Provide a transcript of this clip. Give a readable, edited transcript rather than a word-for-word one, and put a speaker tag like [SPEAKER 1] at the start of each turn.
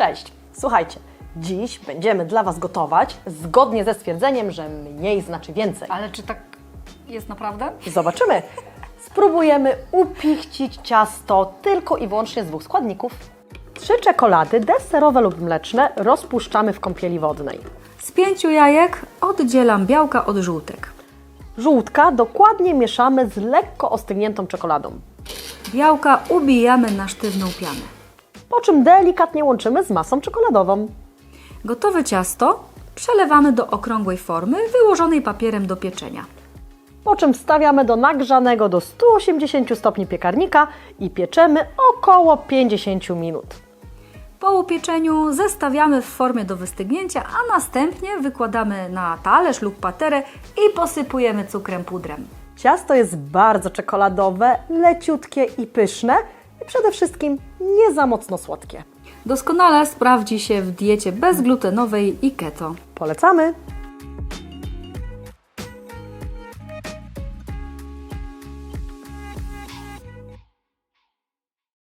[SPEAKER 1] Cześć! Słuchajcie, dziś będziemy dla Was gotować zgodnie ze stwierdzeniem, że mniej znaczy więcej.
[SPEAKER 2] Ale czy tak jest naprawdę?
[SPEAKER 1] Zobaczymy. Spróbujemy upichcić ciasto tylko i wyłącznie z 2 składników. 3 czekolady deserowe lub mleczne rozpuszczamy w kąpieli wodnej.
[SPEAKER 2] Z 5 jajek oddzielam białka od żółtek.
[SPEAKER 1] Żółtka dokładnie mieszamy z lekko ostygniętą czekoladą.
[SPEAKER 2] Białka ubijamy na sztywną pianę.
[SPEAKER 1] Po czym delikatnie łączymy z masą czekoladową.
[SPEAKER 2] Gotowe ciasto przelewamy do okrągłej formy wyłożonej papierem do pieczenia.
[SPEAKER 1] Po czym wstawiamy do nagrzanego do 180 stopni piekarnika i pieczemy około 50 minut.
[SPEAKER 2] Po upieczeniu zestawiamy w formie do wystygnięcia, a następnie wykładamy na talerz lub paterę i posypujemy cukrem pudrem.
[SPEAKER 1] Ciasto jest bardzo czekoladowe, leciutkie i pyszne i przede wszystkim nie za mocno słodkie.
[SPEAKER 2] Doskonale sprawdzi się w diecie bezglutenowej i keto.
[SPEAKER 1] Polecamy!